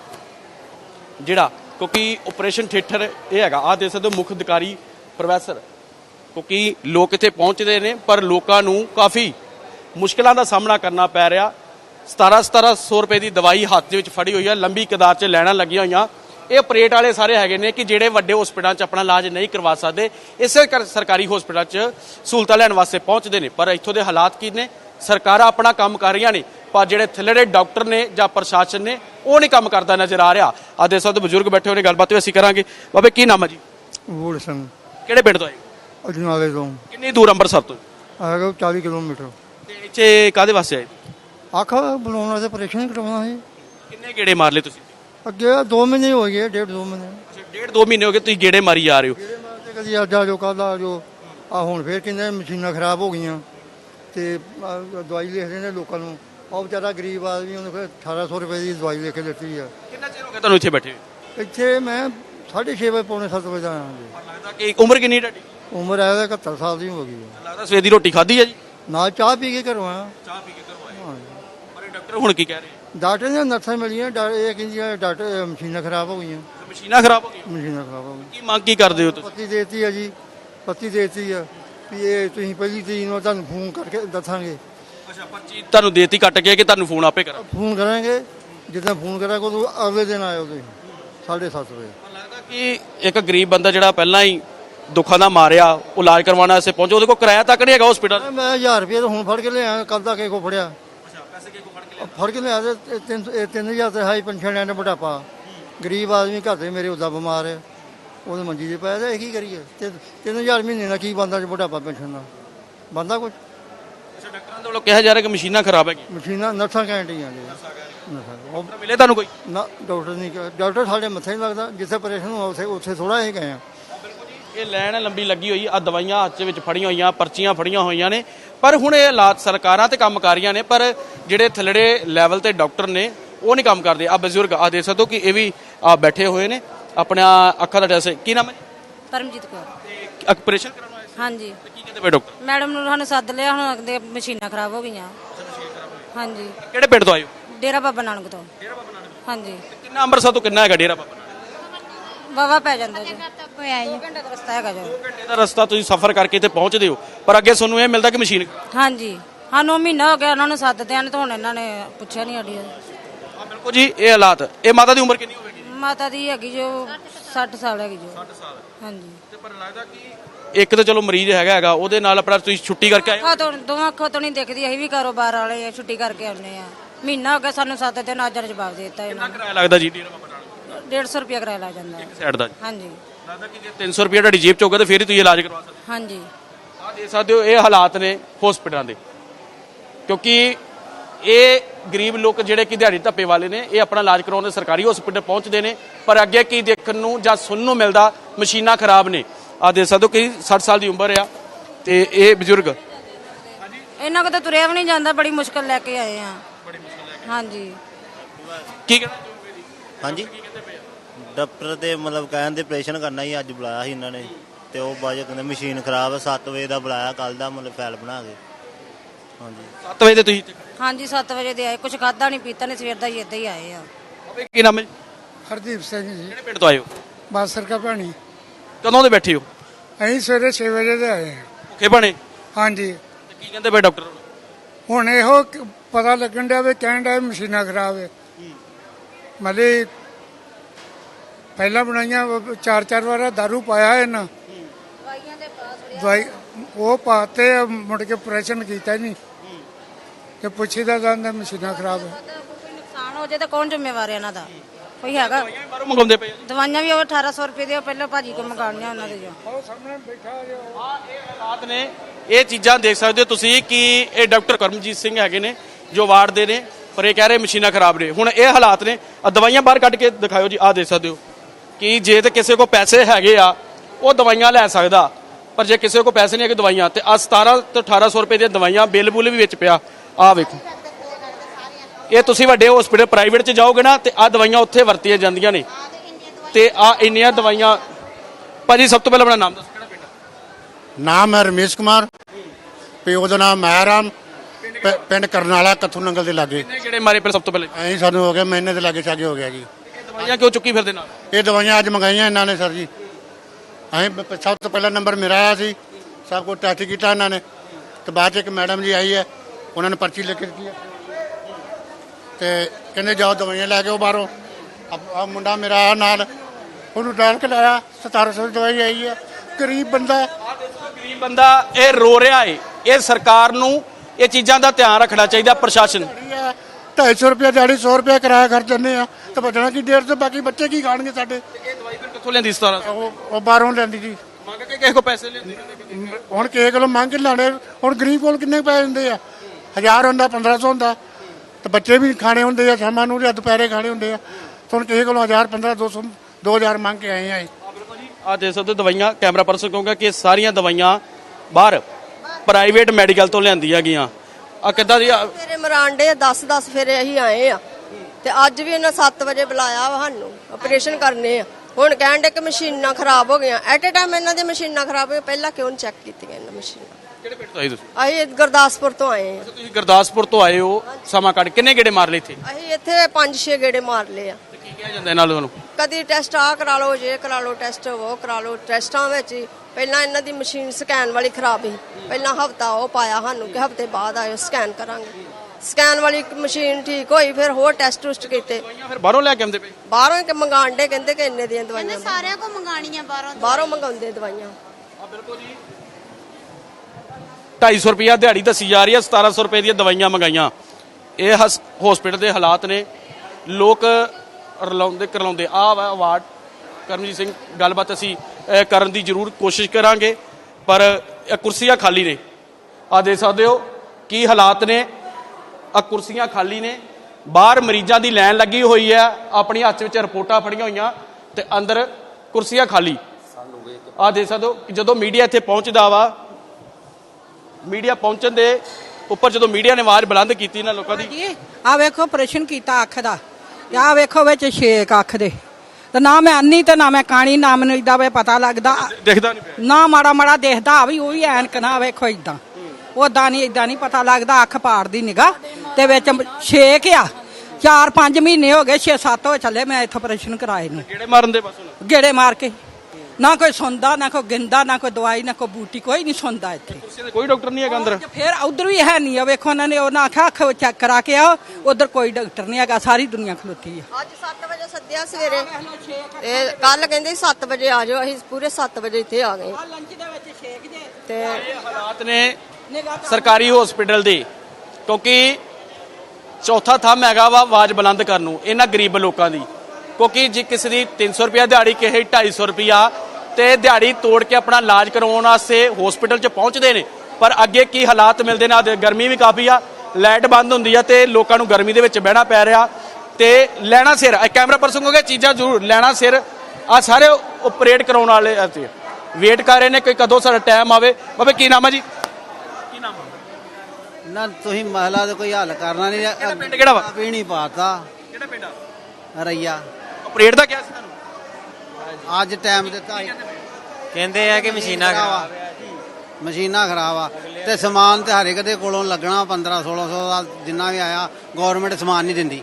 Speaker 1: ਜਿਹੜਾ ਕਿਉਂਕਿ ਆਪਰੇਸ਼ਨ ਥੀਏਟਰ ਇਹ ਹੈਗਾ, ਆਹ ਦੇਖ ਸਕਦੇ ਹੋ ਮੁੱਖ ਅਧਿਕਾਰੀ ਪ੍ਰੋਫੈਸਰ, ਕਿਉਂਕਿ ਲੋਕ ਇੱਥੇ ਪਹੁੰਚਦੇ ਨੇ ਪਰ ਲੋਕਾਂ ਨੂੰ ਕਾਫੀ ਮੁਸ਼ਕਲਾਂ ਦਾ ਸਾਹਮਣਾ ਕਰਨਾ ਪੈ ਰਿਹਾ। ਸਤਾਰਾਂ ਸਤਾਰਾਂ ਸੌ ਰੁਪਏ ਦੀ ਦਵਾਈ ਹੱਥ ਦੇ ਵਿੱਚ ਫੜੀ ਹੋਈ ਹੈ, ਲੰਬੀ ਕਤਾਰ 'ਚ ਲਾਈਨਾਂ ਲੱਗੀਆਂ ਹੋਈਆਂ। ਇਹ ਆਪਰੇਟ ਵਾਲੇ ਸਾਰੇ ਹੈਗੇ ਨੇ ਕਿ ਜਿਹੜੇ ਵੱਡੇ ਹਸਪਤਾਲਾਂ 'ਚ ਆਪਣਾ ਇਲਾਜ ਨਹੀਂ ਕਰਵਾ ਸਕਦੇ, ਇਸੇ ਕਰ ਸਰਕਾਰੀ ਹਸਪਤਾਲਾਂ 'ਚ ਸਹੂਲਤਾਂ ਲੈਣ ਵਾਸਤੇ ਪਹੁੰਚਦੇ ਨੇ। ਪਰ ਇੱਥੋਂ ਦੇ ਹਾਲਾਤ ਕੀ ਨੇ? ਸਰਕਾਰਾਂ ਆਪਣਾ ਕੰਮ ਕਰ ਰਹੀਆਂ ਨੇ, ਪਰ ਜਿਹੜੇ ਥੱਲੜੇ ਡਾਕਟਰ ਨੇ ਜਾਂ ਪ੍ਰਸ਼ਾਸਨ ਨੇ ਉਹ ਨਹੀਂ ਕੰਮ ਕਰਦਾ ਨਜ਼ਰ ਆ ਰਿਹਾ। ਆ ਦੇਖ ਸਕਦੇ ਬਜ਼ੁਰਗ ਬੈਠੇ ਹੋਏ ਨੇ, ਗੱਲਬਾਤ ਵੀ ਅਸੀਂ ਕਰਾਂਗੇ। ਬਾਬੇ ਕੀ ਨਾਮ ਹੈ ਜੀ?
Speaker 2: ਵੋੜ ਸਿੰਘ,
Speaker 1: ਕਿਹੜੇ ਪਿੰਡ ਤੋਂ ਆਏ?
Speaker 2: ਅਜਨਾਲੇ ਤੋਂ।
Speaker 1: ਕਿੰਨੀ ਦੂਰ ਅੰਮ੍ਰਿਤਸਰ ਤੋਂ?
Speaker 2: ਹੈਗਾ ਚਾਲੀ ਕਿਲੋਮੀਟਰ।
Speaker 1: ਤੇ ਇੱਥੇ ਕਾਹਦੇ ਵਾਸਤੇ ਆਏ?
Speaker 2: ਅੱਖ ਬਣਾਉਣ ਵਾਸਤੇ ਆਪਰੇਸ਼ਨ ਕਰਾਉਣਾ ਸੀ।
Speaker 1: ਕਿੰਨੇ ਗੇੜੇ ਮਾਰ ਲਏ ਤੁਸੀਂ?
Speaker 2: ਅੱਗੇ ਦੋ ਮਹੀਨੇ ਹੋ ਗਏ, ਡੇਢ ਦੋ ਮਹੀਨੇ।
Speaker 1: ਡੇਢ ਦੋ ਮਹੀਨੇ ਹੋ ਗਏ ਤੁਸੀਂ ਗੇੜੇ ਮਾਰੀ ਜਾ ਰਹੇ ਹੋ।
Speaker 2: ਜਿਹੜੇ ਮਾਰਦੇ ਕਦੀ ਅੱਜ ਆ ਜੋ ਕੱਲ੍ਹ ਆ ਜੋ ਆ ਹੁਣ ਫੇਰ ਕਹਿੰਦੇ ਮਸ਼ੀਨਾਂ ਖਰਾਬ ਹੋ ਗਈਆਂ ਤੇ ਆਹ ਦਵਾਈ ਲਿਖ ਰਹੇ ਨੇ ਲੋਕਾਂ ਨੂੰ। ਉਹ ਵਿਚਾਰਾ ਗਰੀਬ ਆਦਮੀ, ਉਹਨੂੰ ਫਿਰ ਅਠਾਰਾਂ ਸੌ ਰੁਪਏ ਦੀ ਦਵਾਈ ਲਿਖ ਕੇ ਦਿੱਤੀ ਆ।
Speaker 1: ਕਿੰਨਾ ਚਿਰ ਹੋ ਗਿਆ ਤੁਹਾਨੂੰ ਇੱਥੇ ਬੈਠੇ?
Speaker 2: ਇੱਥੇ ਮੈਂ ਸਾਢੇ ਛੇ ਵਜੇ ਪੌਣੇ ਸੱਤ ਵਜੇ ਦਾ ਆਇਆ ਜੀ।
Speaker 1: ਲੱਗਦਾ ਕਿ ਉਮਰ ਕਿੰਨੀ ਤੁਹਾਡੀ?
Speaker 2: ਉਮਰ ਹੈ ਇਕਹੱਤਰ ਸਾਲ ਦੀ ਹੋ ਗਈ ਹੈ।
Speaker 1: ਲੱਗਦਾ ਸਵੇਰ ਦੀ ਰੋਟੀ ਖਾਧੀ ਹੈ ਜੀ?
Speaker 2: ਨਾਲ ਚਾਹ ਪੀ ਕੇ ਘਰੋਂ ਆਇਆ।
Speaker 1: ਚਾਹ ਪੀ ਕੇ ਘਰੋਂ ਆਏ। ਪਰ ਇਹ ਡਾਕਟਰ ਹੁਣ ਕੀ ਕਹਿ ਰਹੇ?
Speaker 2: ਡਾਕਟਰ ਨੇ ਨਰਸਾਂ ਮਿਲੀਆਂ, ਡਾ- ਇਹ ਕਹਿੰਦੀਆਂ ਡਾਕਟਰ ਮਸ਼ੀਨਾਂ ਖਰਾਬ ਹੋ ਗਈਆਂ।
Speaker 1: ਮਸ਼ੀਨਾਂ ਖਰਾਬ ਹੋ ਗਈਆਂ।
Speaker 2: ਮਸ਼ੀਨਾਂ ਖਰਾਬ ਹੋ ਗਈਆਂ।
Speaker 1: ਕੀ ਮੰਗ ਕੀ ਕਰਦੇ ਹੋ ਤੁਸੀਂ?
Speaker 2: ਪੱਤੀ ਦੇਤੀ ਆ ਜੀ, ਪੱਤੀ ਦੇਤੀ ਆ ਵੀ ਇਹ ਤੁਸੀਂ ਪਹਿਲੀ ਤਰੀਕ ਨੂੰ ਤੁਹਾਨੂੰ ਫੋਨ ਕਰਕੇ ਦੱਸਾਂਗੇ।
Speaker 1: ਅੱਛਾ, ਪਰਚੀ ਤੁਹਾਨੂੰ ਦੇਤੀ ਕੱਟ ਕੇ ਕਿ ਤੁਹਾਨੂੰ ਫੋਨ ਆਪੇ ਕਰਾਂ?
Speaker 2: ਫੋਨ ਕਰਾਂਗੇ, ਜਿੱਦਾਂ ਫੋਨ ਕਰਾਂਗੇ ਉਦੋਂ ਅਗਲੇ ਦਿਨ ਆਇਓ ਤੁਸੀਂ ਸਾਢੇ ਸੱਤ ਵਜੇ।
Speaker 1: ਲੱਗਦਾ ਕਿ ਇੱਕ ਗਰੀਬ ਬੰਦਾ ਜਿਹੜਾ ਪਹਿਲਾਂ ਹੀ ਦੁੱਖਾਂ ਦਾ ਮਾਰਿਆ, ਉਹ ਇਲਾਜ ਕਰਵਾਉਣ ਵਾਸਤੇ ਪਹੁੰਚੇ, ਉਹਦੇ ਕੋਲ ਕਿਰਾਇਆ ਤੱਕ ਨਹੀਂ ਹੈਗਾ ਹਸਪੀਟਲ।
Speaker 2: ਮੈਂ ਹਜ਼ਾਰ ਰੁਪਏ ਤਾਂ ਹੁਣ ਫੜ ਕੇ ਲਿਆ, ਕੱਲ ਦਾ ਕਿਸੇ ਕੋ ਫੜਿਆ।
Speaker 1: ਅੱਛਾ, ਪੈਸੇ ਕਿਹੋ ਫੜ ਕੇ
Speaker 2: ਫੜ ਕੇ ਲਿਆ ਤੇ ਤਿੰਨ ਇਹ ਤਿੰਨ ਹਜ਼ਾਰ ਤੇ ਹਾਈ ਪੈਨਸ਼ਨ ਲੈਣ ਬੁਢਾਪਾ। ਗਰੀਬ ਆਦਮੀ ਘਰ ਦੇ ਮੇਰੇ ਉੱਦਾਂ ਬਿਮਾਰ ਹੈ, ਉਹਦੇ ਮੰਜੀ ਦੇ ਪਏ ਤੇ ਇਹ ਕੀ ਕਰੀਏ? ਤੇ ਤਿੰਨ ਹਜ਼ਾਰ ਮਹੀਨੇ ਨਾਲ ਕੀ ਬਣਦਾ ਜੀ ਬੁਢਾਪਾ ਪੈਨਸ਼ਨ ਨਾਲ? ਬਣਦਾ ਕੁਛ?
Speaker 1: ਅੱਛਾ, ਡਾਕਟਰਾਂ ਦੇ ਵੱਲੋਂ ਕਿਹਾ ਜਾ ਰਿਹਾ ਕਿ ਮਸ਼ੀਨਾਂ ਖਰਾਬ ਹੈਗੀਆਂ।
Speaker 2: ਮਸ਼ੀਨਾਂ ਨਰਸਾਂ ਕਹਿਣ ਡੀਆਂ ਜੀ। ਉਹ
Speaker 1: ਡਾਕਟਰ ਮਿਲੇ ਤੁਹਾਨੂੰ ਕੋਈ?
Speaker 2: ਨਾ ਡਾਕਟਰ ਨਹੀਂ ਕਿਹਾ। ਡਾਕਟਰ ਸਾਡੇ ਮੱਥੇ ਨਹੀਂ ਲੱਗਦਾ, ਜਿੱਥੇ ਆਪਰੇਸ਼ਨ ਹੋਇਆ ਉੱਥੇ ਉੱਥੇ ਥੋੜਾ ਹੀ ਗਏ ਆ।
Speaker 1: ਇਹ ਲਾਈਨ ਲੰਬੀ ਲੱਗੀ ਹੋਈ ਆ, ਦਵਾਈਆਂ ਹੱਥ ਵਿੱਚ ਫੜੀਆਂ ਹੋਈਆਂ, ਪਰਚੀਆਂ ਫੜੀਆਂ ਹੋਈਆਂ ਨੇ। ਪਰ ਹੁਣ ਇਹ ਹਾਲਾਤ ਸਰਕਾਰਾਂ ਤੇ ਕੰਮ ਕਰ ਰਹੀਆਂ ਨੇ, ਪਰ ਜਿਹੜੇ ਥੱਲੜੇ ਲੈਵਲ ਤੇ ਡਾਕਟਰ ਨੇ ਉਹ ਨਹੀਂ ਕੰਮ ਕਰਦੇ। ਆ ਬਜ਼ੁਰਗ ਆ ਦੇਖ ਸਕਦੇ ਹੋ ਕਿ ਇਹ ਵੀ ਆ ਬੈਠੇ ਹੋਏ ਨੇ, ਆਪਣਾ ਅੱਖਾਂ ਦਾ ਟੈਸਟ। ਕੀ ਨਾਮ ਹੈ?
Speaker 3: ਪਰਮਜੀਤ ਕੌਰ।
Speaker 1: ਤੇ ਆਪਰੇਸ਼ਨ ਕਰਾਉਣਾ ਹੈ?
Speaker 3: ਹਾਂਜੀ।
Speaker 1: ਤੇ ਕੀ ਕਹਿੰਦੇ ਪਏ ਡਾਕਟਰ?
Speaker 3: ਮੈਡਮ ਨੂੰ ਸਾਨੂੰ ਸੱਦ ਲਿਆ, ਹੁਣ ਅਗਦੇ ਮਸ਼ੀਨਾਂ ਖਰਾਬ ਹੋ ਗਈਆਂ। ਹਾਂਜੀ।
Speaker 1: ਕਿਹੜੇ ਪਿੰਡ ਤੋਂ ਆਏ ਹੋ?
Speaker 3: ਡੇਰਾ ਬਾਬਾ ਨਾਨਕ ਤੋਂ। ਹਾਂਜੀ।
Speaker 1: ਕਿੰਨਾ ਅੰਮ੍ਰਿਤਸਰ ਤੋਂ ਕਿੰਨਾ ਹੈਗਾ ਡੇਰਾ ਬਾਬਾ ਨਾਨਕ?
Speaker 3: ਵਾਹਵਾ ਪੈ ਜਾਂਦਾ ਜੀ। ਦੋ ਘੰਟੇ ਦਾ ਰਸਤਾ ਹੈਗਾ ਜੀ।
Speaker 1: ਦੋ ਘੰਟੇ ਦਾ ਰਸਤਾ ਤੁਸੀਂ ਸਫ਼ਰ ਕਰਕੇ ਇੱਥੇ ਪਹੁੰਚਦੇ ਹੋ, ਪਰ ਅੱਗੇ ਤੁਹਾਨੂੰ ਇਹ ਮਿਲਦਾ ਕਿ ਮਸ਼ੀਨ?
Speaker 3: ਹਾਂਜੀ, ਸਾਨੂੰ ਮਹੀਨਾ ਹੋ ਗਿਆ ਉਹਨਾਂ ਨੂੰ ਸੱਦਦੇ ਹਨ ਤੇ ਹੁਣ ਇਹਨਾਂ ਨੇ ਪੁੱਛਿਆ ਨਹੀਂ ਸਾਡੀ।
Speaker 1: ਹਾਂ ਬਿਲਕੁਲ ਜੀ, ਇਹ ਹਾਲਾਤ। ਇਹ ਮਾਤਾ ਦੀ ਉਮਰ ਕਿੰਨੀ ਹੋਵੇਗੀ?
Speaker 3: ਮਾਤਾ ਦੀ ਹੈਗੀ ਜੋ ਸੱਠ ਸਾਲ ਹੈਗੀ ਜੋ।
Speaker 1: ਸੱਠ ਸਾਲ।
Speaker 3: ਹਾਂਜੀ।
Speaker 1: ਤੇ ਪਰ ਲੱਗਦਾ ਕਿ ਇੱਕ ਤਾਂ ਚਲੋ ਮਰੀਜ਼ ਹੈਗਾ ਹੈਗਾ ਉਹਦੇ ਨਾਲ ਆਪਣਾ ਤੁਸੀਂ ਛੁੱਟੀ ਕਰਕੇ ਆਏ ਹੋ?
Speaker 3: ਅੱਖਾਂ ਤੋਂ ਦੋਵਾਂ ਅੱਖਾਂ ਤੋਂ ਨਹੀਂ ਦਿਖਦੀ, ਅਸੀਂ ਵੀ ਕਾਰੋਬਾਰ ਵਾਲੇ ਆ, ਛੁੱਟੀ ਕਰਕੇ ਆਉਂਦੇ ਆ। ਮਹੀਨਾ ਹੋ ਗਿਆ ਸਾਨੂੰ, ਸੱਤ ਦਿਨ ਅੱਜ ਜਵਾਬ ਦੇ ਦਿੱਤਾ ਇਹਨਾਂ
Speaker 1: ਕਿੰਨਾ ਕਿਰਾਇਆ ਲੱਗਦਾ ਜੀ ਡੇਰਾ ਬਾਬਾ ਨਾਨਕ
Speaker 3: ਨੇ। ਡੇਢ ਸੌ ਰੁਪਇਆ ਕਿਰਾਇਆ ਲੱਗ ਜਾਂਦਾ
Speaker 1: ਇੱਕ ਸਾਈਡ ਦਾ?
Speaker 3: ਹਾਂਜੀ
Speaker 1: ਲੱਗਦਾ ਕਿ ਜੇ ਤਿੰਨ ਸੌ ਰੁਪਏ ਤੁਹਾਡੀ ਜੇਬ ਚ ਹੋਗਾ ਤਾਂ ਫਿਰ ਹੀ ਤੁਸੀਂ ਇਲਾਜ ਕਰਵਾ ਸਕਦੇ
Speaker 3: ਹਾਂਜੀ।
Speaker 1: ਆ। ਦੇਖ ਸਕਦੇ ਹੋ ਇਹ ਹਾਲਾਤ ਨੇ ਹਸਪੀਟਲਾਂ ਦੇ, ਕਿਉਂਕਿ ਇਹ ਗਰੀਬ ਲੋਕ ਜਿਹੜੇ ਕਿ ਦਿਹਾੜੀ ਧੱਪੇ ਵਾਲੇ ਨੇ ਇਹ ਆਪਣਾ ਇਲਾਜ ਕਰਾਉਣ ਸਰਕਾਰੀ ਹਸਪੀਟਲ ਪਹੁੰਚਦੇ ਨੇ, ਪਰ ਅੱਗੇ ਕੀ ਦੇਖਣ ਨੂੰ ਜਾਂ ਸੁਣਨ ਨੂੰ ਮਿਲਦਾ, ਮਸ਼ੀਨਾਂ ਖਰਾਬ ਨੇ। ਆ ਦੇਖ ਸਕਦੇ ਹੋ ਕਿ ਸੱਠ ਸਾਲ ਦੀ ਉਮਰ ਆ ਤੇ ਇਹ ਬਜ਼ੁਰਗ
Speaker 3: ਇਹਨਾਂ ਕੋ ਤਾਂ ਤੁਰਿਆ ਵੀ ਨਹੀਂ ਜਾਂਦਾ, ਬੜੀ ਮੁਸ਼ਕਲ ਲੈ ਕੇ ਆਏ ਆ। ਹਾਂਜੀ
Speaker 1: ਕੀ ਕਹਿਣਾ ਚਾਹੋਗੇ ਜੀ?
Speaker 4: ਹਾਂਜੀ ਡਾਕਟਰ ਤੇ ਮਤਲਬ ਕਹਿਣ ਦੇ ਆਪਰੇਸ਼ਨ ਕਰਨਾ ਹੀ ਅੱਜ ਬੁਲਾਇਆ ਸੀ ਇਹਨਾਂ ਨੇ, ਤੇ ਉਹ ਬਾਅਦ 'ਚ ਕਹਿੰਦੇ ਮਸ਼ੀਨ ਖਰਾਬ ਹੈ। ਸੱਤ ਵਜੇ ਦਾ ਬੁਲਾਇਆ ਕੱਲ ਦਾ, ਮਤਲਬ ਫਾਈਲ ਬਣਾ ਕੇ। ਹਾਂਜੀ
Speaker 1: ਸੱਤ ਵਜੇ ਤੇ ਤੁਸੀਂ ਇੱਥੇ ਖੜੇ
Speaker 3: ਹਾਂਜੀ ਸੱਤ ਵਜੇ ਦੇ ਆਏ, ਕੁਝ ਖਾਦਾ ਨਹੀਂ ਪੀਤਾ ਨਹੀਂ, ਸਵੇਰ ਦਾ ਹੀ ਏਦਾਂ ਹੀ ਆਏ ਆ।
Speaker 1: ਹੋ। ਕੀ ਨਾਮ ਹੈ ਜੀ?
Speaker 5: ਹਰਦੀਪ ਸਿੰਘ ਜੀ,
Speaker 1: ਕਿਹੜੇ ਪਿੰਡ ਤੋਂ ਆਏ ਹੋ?
Speaker 5: ਬਾਸਰ ਕਾ ਪਾਣੀ।
Speaker 1: ਕਦੋਂ ਦੇ ਬੈਠੇ ਹੋ?
Speaker 5: ਅਸੀਂ ਸਵੇਰੇ ਛੇ ਵਜੇ ਦੇ ਆਏ ਹਾਂ।
Speaker 1: ਭੁੱਖੇ ਬਣੇ?
Speaker 5: ਹਾਂਜੀ,
Speaker 1: ਤੇ ਕੀ ਕਹਿੰਦੇ ਪਏ ਡਾਕਟਰ?
Speaker 5: ਹੁਣ ਇਹੋ ਕ- ਪਤਾ ਲੱਗਣ ਡਿਆ ਵੀ ਕਹਿਣ ਡਿਆ ਵੀ ਮਸ਼ੀਨਾਂ ਖਰਾਬ ਹੈ। ਮਤਲਬ ਪਹਿਲਾਂ ਬਣਾਈਆਂ ਚਾਰ ਚਾਰ ਵਾਰ ਦਾਰੂ ਪਾਇਆ ਇਹਨਾਂ, ਦਵਾਈ ਉਹ ਪਾਤੇ, ਮੁੜ ਕੇ ਆਪਰੇਸ਼ਨ ਕੀਤਾ ਹੀ ਨਹੀਂ। ਤੇ ਪੁੱਛੀਦਾ ਜਾਂਦਾ ਮਸ਼ੀਨਾਂ ਖਰਾਬ ਹੈ।
Speaker 3: ਕੋਈ ਨੁਕਸਾਨ ਹੋ ਜਾਏ ਤਾਂ ਕੌਣ ਜ਼ਿੰਮੇਵਾਰ ਹੈ ਇਹਨਾਂ ਦਾ? ਕੋਈ ਹੈਗਾ?
Speaker 1: ਬਾਹਰੋਂ ਮੰਗਾਉਂਦੇ ਪਏ ਆ ਜੀ।
Speaker 3: ਦਵਾਈਆਂ ਵੀ ਉਹ ਅਠਾਰਾਂ ਸੌ ਰੁਪਏ ਦੀਆਂ ਪਹਿਲਾਂ ਭਾਜੀ ਕੋ ਮੰਗਾਉਣੀਆਂ ਉਹਨਾਂ ਦੇ ਜੋ।
Speaker 5: ਉਹ ਸਾਹਮਣੇ ਬੈਠਾ ਜੋ
Speaker 1: ਇਹ ਹਾਲਾਤ ਨੇ, ਇਹ ਚੀਜ਼ਾਂ ਦੇਖ ਸਕਦੇ ਹੋ ਤੁਸੀਂ ਕਿ ਇਹ ਡਾਕਟਰ ਕਰਮਜੀਤ ਸਿੰਘ ਹੈਗੇ ਨੇ ਜੋ ਵਾਰਡ ਦੇ ਨੇ, ਪਰ ਇਹ ਕਹਿ ਰਹੇ ਮਸ਼ੀਨਾਂ ਖਰਾਬ ਨੇ। ਹੁਣ ਇਹ ਹਾਲਾਤ ਨੇ, ਆਹ ਦਵਾਈਆਂ ਬਾਹਰ ਕੱਢ ਕੇ ਦਿਖਾਓ ਜੀ। ਆਹ ਦੇਖ ਸਕਦੇ ਹੋ ਕਿ ਜੇ ਤੇ ਕਿਸੇ ਕੋ ਪੈਸੇ ਹੈਗੇ ਆ ਉਹ ਦਵਾਈਆਂ ਲੈ ਸਕਦਾ, ਪਰ ਜੇ ਕਿਸੇ ਕੋ ਪੈਸੇ ਨਹੀਂ ਹੈਗੇ ਦਵਾਈਆਂ, ਤੇ ਆ ਸਤਾਰਾਂ ਤੋਂ ਅਠਾਰਾਂ ਸੌ ਰੁਪਏ ਦੀਆਂ ਦਵਾਈਆਂ ਬਿੱਲ ਬੁੱਲ ਵੀ ਵਿੱਚ ਪਿਆ। ਆਹ ਵੇਖੋ, ਇਹ ਤੁਸੀਂ ਵੱਡੇ ਹਸਪੀਟਲ ਪ੍ਰਾਈਵੇਟ 'ਚ ਜਾਓਗੇ ਨਾ ਤੇ ਆਹ ਦਵਾਈਆਂ ਉੱਥੇ ਵਰਤੀਆਂ ਜਾਂਦੀਆਂ ਨੇ, ਤੇ ਆ ਇੰਨੀਆਂ ਦਵਾਈਆਂ। ਭਾਜੀ ਸਭ ਤੋਂ ਪਹਿਲਾਂ ਆਪਣਾ ਨਾਮ ਦੱਸੋ, ਕਿਹੜਾ ਪਿੰਡ?
Speaker 6: ਨਾਮ ਹੈ ਰਮੇਸ਼ ਕੁਮਾਰ, ਪਿਓ ਦਾ ਨਾਮ ਮਹਿਰਾਮ, ਪ- ਪਿੰਡ ਕਰਨਾਲਾ, ਕੱਥੂ ਨੰਗਲ ਦੇ ਲਾਗੇ।
Speaker 1: ਕਿੰਨੇ ਕਿਹੜੇ ਮਾਰੇ ਪਹਿਲਾਂ ਸਭ ਤੋਂ ਪਹਿਲੇ?
Speaker 6: ਐਂ ਸਾਨੂੰ ਹੋ ਗਿਆ ਮਹੀਨੇ ਦੇ ਲਾਗੇ ਛਾਗੇ ਹੋ ਗਿਆ ਜੀ।
Speaker 1: ਦਵਾਈਆਂ ਕਿਉਂ ਚੁੱਕੀ ਫਿਰਦੇ ਨਾਲ?
Speaker 6: ਇਹ ਦਵਾਈਆਂ ਅੱਜ ਮੰਗਾਈਆਂ ਇਹਨਾਂ ਨੇ ਸਰ ਜੀ। ਐਂ ਪ- ਸਭ ਤੋਂ ਪਹਿਲਾਂ ਨੰਬਰ ਮੇਰਾ ਆਇਆ ਸੀ, ਸਭ ਕੁਝ ਟੈਸਟ ਕੀਤਾ ਇਹਨਾਂ ਨੇ, ਤੇ ਬਾਅਦ 'ਚ ਇੱਕ ਮੈਡਮ ਜੀ ਆਈ ਹੈ, ਉਹਨਾਂ ਨੇ ਪਰਚੀ ਲਿਖ ਕੇ ਦਿੱਤੀ ਹੈ ਤੇ ਕਹਿੰਦੇ ਜਾਓ ਦਵਾਈਆਂ ਲੈ ਕੇ ਆਓ ਬਾਹਰੋਂ। ਆ ਮੁੰਡਾ ਮੇਰਾ ਆ ਨਾਲ, ਉਹਨੂੰ ਡਾਲ ਕੇ ਲਾਇਆ, ਸਤਾਰਾਂ ਸੌ ਦੀ ਦਵਾਈ ਆਈ ਹੈ। ਗਰੀਬ ਬੰਦਾ
Speaker 1: ਗਰੀਬ ਬੰਦਾ ਇਹ ਰੋ ਰਿਹਾ ਏ। ਇਹ ਸਰਕਾਰ ਨੂੰ ਇਹ ਚੀਜ਼ਾਂ ਦਾ ਧਿਆਨ ਰੱਖਣਾ ਚਾਹੀਦਾ, ਪ੍ਰਸ਼ਾਸਨ।
Speaker 6: ਢਾਈ ਸੌ ਰੁਪਇਆ ਦਿਹਾੜੀ, ਸੌ ਰੁਪਇਆ ਕਿਰਾਇਆ ਖਰਚ ਦਿੰਦੇ ਆ, ਤੇ ਬਚਣਾ ਕੀ ਡੇਢ ਸੌ, ਬਾਕੀ ਬੱਚੇ ਕੀ ਖਾਣਗੇ ਸਾਡੇ?
Speaker 1: ਇਹ ਦਵਾਈ ਫਿਰ ਕਿੱਥੋਂ ਲੈਂਦੀ ਸਤਾਰਾਂ ਸੌ?
Speaker 6: ਉਹ ਉਹ ਬਾਹਰੋਂ ਲੈਂਦੀ ਜੀ।
Speaker 1: ਮੰਗ ਕੇ ਕਿਸੇ ਕੋ ਪੈਸੇ ਲੈਂਦੀ?
Speaker 6: ਹੁਣ ਕਿਸੇ ਕੋਲੋਂ ਮੰਗ ਕੇ ਲਾਣੇ, ਹੁਣ ਗਰੀਬ ਕੋਲ ਕਿੰਨੇ ਪੈ ਜਾਂਦੇ ਆ? ਹਜ਼ਾਰ ਹੁੰਦਾ, ਪੰਦਰਾਂ ਸੌ ਹੁੰਦਾ, ਤੇ ਬੱਚੇ ਵੀ ਖਾਣੇ ਹੁੰਦੇ ਆ, ਸ਼ਾਮਾਂ ਨੂੰ ਜਾਂ ਦੁਪਹਿਰੇ ਖਾਣੇ ਹੁੰਦੇ ਆ। ਤੇ ਹੁਣ ਕਿਸੇ ਕੋਲੋਂ ਹਜ਼ਾਰ, ਪੰਦਰਾਂ, ਦੋ ਸੌ, ਦੋ ਹਜ਼ਾਰ ਮੰਗ ਕੇ ਆਏ ਆ ਇਹ।
Speaker 1: ਆ ਦੇਖ ਸਕਦੇ ਹੋ ਦਵਾਈਆਂ, ਕੈਮਰਾ ਪਰਸਨ ਕਹੂੰਗਾ ਕਿ ਇਹ ਸਾਰੀਆਂ ਦਵਾਈਆਂ ਬਾਹਰ ਪ੍ਰਾਈਵੇਟ ਮੈਡੀਕਲ ਤੋਂ ਲਿਆਂਦੀਆਂ ਗਈਆਂ। ਆ ਕਿੱਦਾਂ ਦੀ ਆ-
Speaker 7: ਫੇਰੇ ਮਰਾਂਡੇ ਦਸ ਦਸ ਫੇਰੇ ਅਸੀਂ ਆਏ ਆ, ਤੇ ਅੱਜ ਵੀ ਇਹਨਾਂ ਸੱਤ ਵਜੇ ਬੁਲਾਇਆ ਵਾ ਸਾਨੂੰ, ਆਪਰੇਸ਼ਨ ਕਰਨੇ ਆ। ਹੁਣ ਕਹਿਣ ਦੇ ਕਿ ਮਸ਼ੀਨਾਂ ਖਰਾਬ ਹੋ ਗਈਆਂ। ਐਟ ਏ ਟਾਈਮ ਇਹਨਾਂ ਦੀਆਂ ਮਸ਼ੀਨਾਂ ਖਰਾਬ ਹੋ ਗਈਆਂ, ਪਹਿਲਾਂ ਕਿਉਂ ਨਹੀਂ ਚੈੱਕ ਕੀਤੀਆਂ ਇਹਨਾਂ ਮਸ਼ੀਨਾਂ?
Speaker 1: ਕਿਹੜੇ ਪਿੰਡ ਤੋਂ ਆਏ ਤੁਸੀਂ?
Speaker 7: ਅਸੀਂ ਗੁਰਦਾਸਪੁਰ ਤੋਂ ਆਏ ਆ।
Speaker 1: ਤੁਸੀਂ ਗੁਰਦਾਸਪੁਰ ਤੋਂ ਆਏ ਹੋ, ਸਮਾਂ ਕੱਢ ਕਿੰਨੇ ਗੇੜੇ ਮਾਰ ਲਏ ਇੱਥੇ?
Speaker 7: ਅਸੀਂ ਇੱਥੇ ਪੰਜ ਛੇ ਗੇੜੇ ਮਾਰ ਲਏ ਆ।
Speaker 1: ਤੇ ਕੀ ਕਿਹਾ ਜਾਂਦਾ ਇਹਨਾਂ ਨੂੰ?
Speaker 7: ਕਦੀ ਟੈਸਟ ਆ ਕਰਾ ਲਓ, ਜੇ ਕਰਾ ਲਓ ਟੈਸਟ, ਉਹ ਕਰਾ ਲਓ। ਟੈਸਟਾਂ ਵਿੱਚ ਹੀ ਪਹਿਲਾਂ ਇਹਨਾਂ ਦੀ ਮਸ਼ੀਨ ਸਕੈਨ ਵਾਲੀ ਖਰਾਬ ਸੀ, ਪਹਿਲਾਂ ਹਫਤਾ ਉਹ ਪਾਇਆ ਸਾਨੂੰ ਕਿ ਹਫਤੇ ਬਾਅਦ ਆਇਓ ਸਕੈਨ ਕਰਾਂਗੇ। ਸਕੈਨ ਵਾਲੀ ਮਸ਼ੀਨ ਠੀਕ ਹੋਈ, ਫਿਰ ਹੋਰ ਟੈਸਟ ਟੁਸਟ ਕੀਤੇ,
Speaker 1: ਦਵਾਈਆਂ ਫਿਰ ਬਾਹਰੋਂ ਲੈ ਕੇ ਆਉਂਦੇ ਪਏ?
Speaker 7: ਬਾਹਰੋਂ ਕਿ ਮੰਗਾਂਡੇ ਕਹਿੰਦੇ ਕਿ ਇੰਨੇ ਦੀਆਂ ਦਵਾਈਆਂ
Speaker 8: ਸਾਰਿਆਂ ਕੋ ਮੰਗਾਣੀਆਂ ਬਾਹਰੋਂ।
Speaker 7: ਬਾਹਰੋਂ ਮੰਗਾਉਂਦੇ ਦਵਾਈਆਂ।
Speaker 1: ਆ ਬਿਲਕੁਲ ਜੀ, ਢਾਈ ਸੌ ਰੁਪਇਆ ਦਿਹਾੜੀ ਦੱਸੀ ਜਾ ਰਹੀ ਹੈ, ਸਤਾਰਾਂ ਸੌ ਰੁਪਏ ਦੀਆਂ ਦਵਾਈਆਂ ਮੰਗਾਈਆਂ। ਇਹ ਹਸਪੀਟਲ ਦੇ ਹਾਲਾਤ ਨੇ, ਲੋਕ ਰਲਾਉਂਦੇ ਕਰਲਾਉਂਦੇ। ਆ ਵਾ ਅਵਾਰਡ ਕਰਮਜੀਤ ਸਿੰਘ, ਗੱਲਬਾਤ ਅਸੀਂ ਅਹ, ਕਰਨ ਦੀ ਜ਼ਰੂਰ ਕੋਸ਼ਿਸ਼ ਕਰਾਂਗੇ, ਪਰ ਇਹ ਕੁਰਸੀਆਂ ਖਾਲੀ ਨੇ। ਆ ਦੇਖ ਸਕਦੇ ਹੋ ਕੀ ਹਾਲਾਤ ਨੇ, ਆ ਕੁਰਸੀਆਂ ਖਾਲੀ ਨੇ, ਬਾਹਰ ਮਰੀਜ਼ਾਂ ਦੀ ਲਾਈਨ ਲੱਗੀ ਹੋਈ ਹੈ, ਆਪਣੀ ਹੱਥ ਵਿੱਚ ਰਿਪੋਰਟਾਂ ਫੜੀਆਂ ਹੋਈਆਂ, ਤੇ ਅੰਦਰ ਕੁਰਸੀਆਂ ਖਾਲੀ। ਆ ਦੇਖ ਸਕਦੇ ਹੋ ਕਿ ਜਦੋਂ ਮੀਡੀਆ ਇੱਥੇ ਪਹੁੰਚਦਾ ਵਾ, ਮੀਡੀਆ ਪਹੁੰਚਣ ਦੇ ਉੱਪਰ ਜਦੋਂ ਮੀਡੀਆ ਨੇ ਆਵਾਜ਼ ਬੁਲੰਦ ਕੀਤੀ ਨਾ ਲੋਕਾਂ ਦੀ,
Speaker 9: ਜੀ ਆ ਵੇਖੋ ਆਪਰੇਸ਼ਨ ਕੀਤਾ ਅੱਖ ਦਾ, ਆ ਵੇਖੋ ਵਿੱਚ ਛੇਕ ਅੱਖ ਦੇ, ਤੇ ਨਾ ਮੈਂ ਅੰਨੀ ਤੇ ਨਾ ਮੈਂ ਕਾਣੀ, ਨਾ ਮੈਨੂੰ ਇਦਾਂ ਵੇ ਪਤਾ ਲੱਗਦਾ,
Speaker 1: ਦਿਖਦਾ ਨਹੀਂ ਪਿਆ।
Speaker 9: ਨਾ ਮਾੜਾ ਮਾੜਾ ਦੇਖਦਾ ਵੀ ਉਹ ਵੀ ਐਨਕ ਨਾ ਵੇਖੋ ਇਦਾਂ, ਉਦਾਂ ਨਹੀਂ ਇਦਾਂ ਨਹੀਂ ਪਤਾ ਲੱਗਦਾ। ਅੱਖ ਪਾੜ ਦੀ ਨਿਗਾ ਤੇ ਵਿੱਚ ਛੇਕ ਆ। ਚਾਰ ਪੰਜ ਮਹੀਨੇ ਹੋ ਗਏ, ਛੇ ਸੱਤ ਹੋ ਚੱਲੇ ਮੈਂ ਇੱਥੋਂ ਆਪਰੇਸ਼ਨ ਕਰਾਏ ਨੂੰ,
Speaker 1: ਗੇੜੇ ਮਾਰਨ ਦੇ ਬਸ ਹੁਣ।
Speaker 9: ਗੇੜੇ ਮਾਰ ਕੇ, ਨਾ ਕੋਈ ਸੁਣਦਾ, ਨਾ ਕੋਈ ਗਿੰਦਾ, ਨਾ ਕੋਈ ਦਵਾਈ, ਨਾ ਕੋਈ ਬੂਟੀ, ਕੋਈ ਨਹੀਂ ਸੁਣਦਾ ਇੱਥੇ।
Speaker 1: ਕੁਰਸੀਆਂ ਤੇ ਕੋਈ ਡਾਕਟਰ ਨਹੀਂ ਹੈਗਾ ਅੰਦਰ?
Speaker 9: ਫਿਰ ਉਧਰ ਵੀ ਹੈ ਨਹੀਂ ਆ, ਵੇਖੋ ਉਹਨਾਂ ਨੇ ਉਹਨਾਂ ਆਖਿਆ ਅੱਖ ਚੈੱਕ ਕਰਾ ਕੇ ਆਓ, ਉਧਰ ਕੋਈ ਡਾਕਟਰ ਨਹੀਂ ਹੈਗਾ, ਸਾਰੀ ਦੁਨੀਆ ਖਲੋਤੀ ਆ।
Speaker 7: ਅੱਜ ਸੱਤ ਵਜੇ ਸੱਦਿਆ ਸਵੇਰੇ, ਤੇ ਕੱਲ ਕਹਿੰਦੇ ਸੱਤ ਵਜੇ ਆ ਜਾਓ, ਅਸੀਂ ਪੂਰੇ ਸੱਤ ਵਜੇ ਇੱਥੇ ਆ ਗਏ।
Speaker 9: ਲੰਚ ਦੇ ਵਿੱਚ
Speaker 7: ਤੇ
Speaker 1: ਹਾਲਾਤ ਨੇ ਸਰਕਾਰੀ ਹਸਪੀਟਲ ਦੇ, ਕਿਉਂਕਿ ਚੌਥਾ ਥੰਮ ਹੈਗਾ ਵਾ ਆਵਾਜ਼ ਬੁਲੰਦ ਕਰਨ ਨੂੰ ਇਹਨਾਂ ਗਰੀਬ ਲੋਕਾਂ ਦੀ। ਕਿਉਂਕਿ ਜੇ ਕਿਸੇ ਦੀ ਤਿੰਨ ਸੌ ਰੁਪਇਆ ਦਿਹਾੜੀ, ਕਿਸੇ ਢਾਈ ਸੌ ਰੁਪਇਆ, ਤੇ ਦਿਹਾੜੀ ਤੋੜ ਕੇ ਆਪਣਾ ਇਲਾਜ ਕਰਵਾਉਣ ਵਾਸਤੇ ਹਸਪੀਟਲ 'ਚ ਪਹੁੰਚਦੇ ਨੇ, ਪਰ ਅੱਗੇ ਕੀ ਹਾਲਾਤ ਮਿਲਦੇ ਨੇ। ਆਹ ਗਰਮੀ ਵੀ ਕਾਫੀ ਆ, ਲਾਈਟ ਬੰਦ ਹੁੰਦੀ ਆ ਤੇ ਲੋਕਾਂ ਨੂੰ ਗਰਮੀ ਦੇ ਵਿੱਚ ਬਹਿਣਾ ਪੈ ਰਿਹਾ। ਤੇ ਲੈਣਾ ਸਿਰ ਕੈਮਰਾ ਪਰਸਨ ਹੋ ਗਿਆ, ਚੀਜ਼ਾਂ ਜ਼ਰੂਰ ਲੈਣਾ ਸਿਰ ਆ ਸਾਰੇ ਆਪਰੇਟ ਕਰਾਉਣ ਵਾਲੇ ਅਤੇ ਵੇਟ ਕਰ ਰਹੇ ਨੇ ਕਿ ਕਦੋਂ ਸਾਡਾ ਟਾਈਮ ਆਵੇ। ਬਾਬੇ ਕੀ ਨਾਮ ਹੈ ਜੀ? ਕੀ ਨਾਮ
Speaker 8: ਨਾ ਤੁਸੀਂ ਮਸਲਾ ਤੇ ਕੋਈ ਹੱਲ ਕਰਨਾ ਨਹੀਂ।
Speaker 1: ਕਿਹੜਾ ਪਿੰਡ ਕਿਹੜਾ ਵਾ?
Speaker 8: ਵੀ ਨਹੀਂ ਪਾਤਾ
Speaker 1: ਕਿਹੜਾ ਪਿੰਡ ਆ?
Speaker 8: ਰਈਆ
Speaker 1: ਆਪਰੇਟ ਦਾ ਕਿਹਾ ਸੀ ਤੁਹਾਨੂੰ?
Speaker 8: ਅੱਜ ਟਾਈਮ ਦਿੱਤਾ ਸੀ।
Speaker 4: ਕਹਿੰਦੇ ਆ ਕਿ ਮਸ਼ੀਨਾਂ ਖਰਾਬ
Speaker 8: ਮਸ਼ੀਨਾਂ ਖਰਾਬ ਆ ਤੇ ਸਮਾਨ ਤੇ ਹਰ ਇੱਕ ਦੇ ਕੋਲੋਂ ਲੱਗਣਾ ਪੰਦਰਾਂ ਸੋਲਾਂ ਸੌ ਦਾ ਜਿੰਨਾ ਵੀ ਆਇਆ। ਗਵਰਨਮੈਂਟ ਸਮਾਨ ਨਹੀਂ ਦਿੰਦੀ।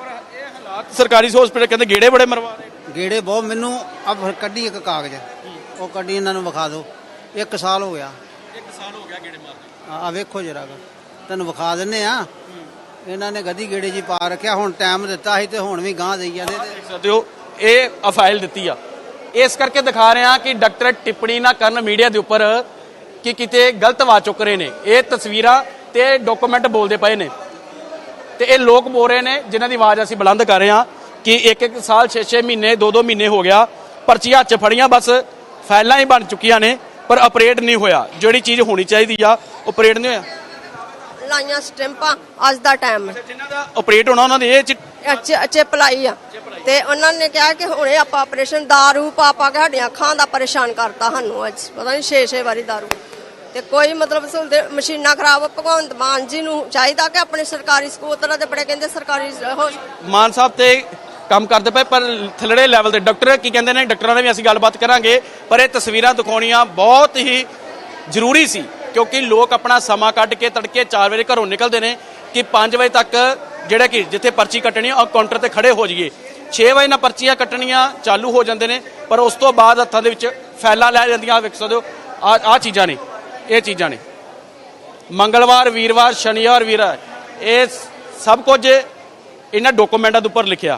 Speaker 1: ਸਰਕਾਰੀ ਹਸਪੀਟਲ ਕਹਿੰਦੇ ਗੇੜੇ ਬੜੇ ਮਰਵਾ ਰਹੇ।
Speaker 8: ਗੇੜੇ ਬਹੁਤ। ਮੈਨੂੰ ਆ ਕੱਢੀ ਇੱਕ ਕਾਗਜ਼, ਉਹ ਕੱਢੀ ਇਹਨਾਂ ਨੂੰ ਵਿਖਾ ਦਿਓ। ਇੱਕ ਸਾਲ ਹੋ ਗਿਆ।
Speaker 1: ਇੱਕ ਸਾਲ ਹੋ ਗਿਆ ਗੇੜੇ ਮਾਰਦੇ।
Speaker 8: ਆ ਵੇਖੋ ਜਰਾ ਤੈਨੂੰ ਵਿਖਾ ਦਿੰਨੇ ਆ। ਇਹਨਾਂ ਨੇ ਗਦੀ ਗੇੜੇ ਜੀ ਪਾ ਰੱਖਿਆ। ਹੁਣ ਟਾਈਮ ਦਿੱਤਾ ਸੀ ਤੇ ਹੁਣ ਵੀ ਗਾਂਹ ਦੇਈ ਜਾਂਦੇ।
Speaker 1: ਦੇਖ ਸਕਦੇ ਹੋ ਇਹ ਆ ਫਾਈਲ ਦਿੱਤੀ ਆ। ਇਸ ਕਰਕੇ ਦਿਖਾ ਰਹੇ ਆ ਕਿ ਡਾਕਟਰ ਟਿੱਪਣੀ ਨਾ ਕਰਨ ਮੀਡੀਆ ਦੇ ਉੱਪਰ ਕਿ ਕਿਤੇ ਗਲਤ ਆਵਾਜ਼ ਚੁੱਕ ਰਹੇ ਨੇ। ਇਹ ਤਸਵੀਰਾਂ ਤੇ ਡਾਕੂਮੈਂਟ ਬੋਲਦੇ ਪਏ ਨੇ ਤੇ ਇਹ ਲੋਕ ਬੋਲ ਰਹੇ ਨੇ ਜਿਨ੍ਹਾਂ ਦੀ ਆਵਾਜ਼ ਅਸੀਂ ਬੁਲੰਦ ਕਰ ਰਹੇ ਹਾਂ ਕਿ ਇੱਕ ਇੱਕ ਸਾਲ ਛੇ ਛੇ ਮਹੀਨੇ ਦੋ ਦੋ ਮਹੀਨੇ ਹੋ ਗਿਆ, ਪਰਚੀਆਂ ਹੱਥ 'ਚ ਫੜੀਆਂ, ਬਸ ਫਾਈਲਾਂ ਹੀ ਬਣ ਚੁੱਕੀਆਂ ਨੇ, ਪਰ ਆਪਰੇਟ ਨਹੀਂ ਹੋਇਆ। ਜਿਹੜੀ ਚੀਜ਼ ਹੋਣੀ ਚਾਹੀਦੀ ਆ ਆਪਰੇਟ ਨਹੀਂ ਹੋਇਆ।
Speaker 7: ਲਾਈਆਂ ਸਟੈਂਪਾਂ ਅੱਜ ਦਾ ਟਾਈਮ
Speaker 1: ਜਿਨ੍ਹਾਂ ਦਾ ਆਪਰੇਟ ਹੋਣਾ ਉਹਨਾਂ ਦੇ ਇਹ 'ਚ
Speaker 7: ਚਿੱਪ ਲਾਈ ਆ ਤੇ ਉਹਨਾਂ ਨੇ ਕਿਹਾ ਕਿ ਹੁਣੇ ਆਪਾਂ ਆਪਰੇਸ਼ਨ ਦਾਰੂ ਪਾ ਪਾ ਕੇ ਸਾਡੀਆਂ ਅੱਖਾਂ ਦਾ ਪਰੇਸ਼ਾਨ ਕਰਤਾ ਸਾਨੂੰ। ਅੱਜ ਪਤਾ ਨਹੀਂ ਛੇ ਛੇ ਵਾਰੀ ਦਾਰੂ ਤੇ ਕੋਈ ਮਤਲਬ ਸਹੂਲਤ। ਮਸ਼ੀਨਾਂ ਖਰਾਬ। ਭਗਵੰਤ ਮਾਨ ਜੀ ਨੂੰ ਚਾਹੀਦਾ ਕਿ ਆਪਣੇ ਸਰਕਾਰੀ ਸਕੂਲਾਂ ਦੇ ਬੜੇ ਕਹਿੰਦੇ ਸਰਕਾਰੀ
Speaker 1: ਮਾਨ ਸਾਹਿਬ ਤੇ ਕੰਮ ਕਰਦੇ ਪਏ, ਪਰ ਥੱਲੜੇ ਲੈਵਲ ਦੇ ਡਾਕਟਰ ਕੀ ਕਹਿੰਦੇ ਨੇ, ਡਾਕਟਰਾਂ ਨਾਲ ਵੀ ਅਸੀਂ ਗੱਲਬਾਤ ਕਰਾਂਗੇ। ਪਰ ਇਹ ਤਸਵੀਰਾਂ ਦਿਖਾਉਣੀਆਂ ਬਹੁਤ ਹੀ ਜ਼ਰੂਰੀ ਸੀ ਕਿਉਂਕਿ ਲੋਕ ਆਪਣਾ ਸਮਾਂ ਕੱਢ ਕੇ ਤੜਕੇ ਚਾਰ ਵਜੇ ਘਰੋਂ ਨਿਕਲਦੇ ਨੇ ਕਿ ਪੰਜ ਵਜੇ ਤੱਕ ਜਿਹੜਾ ਕਿ ਜਿੱਥੇ ਪਰਚੀ ਕੱਟਣੀ ਉਹ ਕਾਊਂਟਰ ਤੇ ਖੜੇ ਹੋ ਜਾਈਏ। ਛੇ ਵਜੇ ਨਾਲ ਪਰਚੀਆਂ ਕੱਟਣੀਆਂ ਚਾਲੂ ਹੋ ਜਾਂਦੇ ਨੇ, ਪਰ ਉਸ ਤੋਂ ਬਾਅਦ ਹੱਥਾਂ ਦੇ ਵਿੱਚ ਫੈਲਾਂ ਲੈ ਜਾਂਦੀਆਂ। ਵੇਖ ਸਕਦੇ ਹੋ ਆ ਆ ਚੀਜ਼ਾਂ ਨੇ, ਇਹ ਚੀਜ਼ਾਂ ਨੇ। ਮੰਗਲਵਾਰ, ਵੀਰਵਾਰ, ਸ਼ਨੀਵਾਰ, ਵੀਰਵਾਰ, ਇਹ ਸਭ ਕੁਝ ਇਹਨਾਂ ਡਾਕੂਮੈਂਟਾਂ ਦੇ ਉੱਪਰ ਲਿਖਿਆ।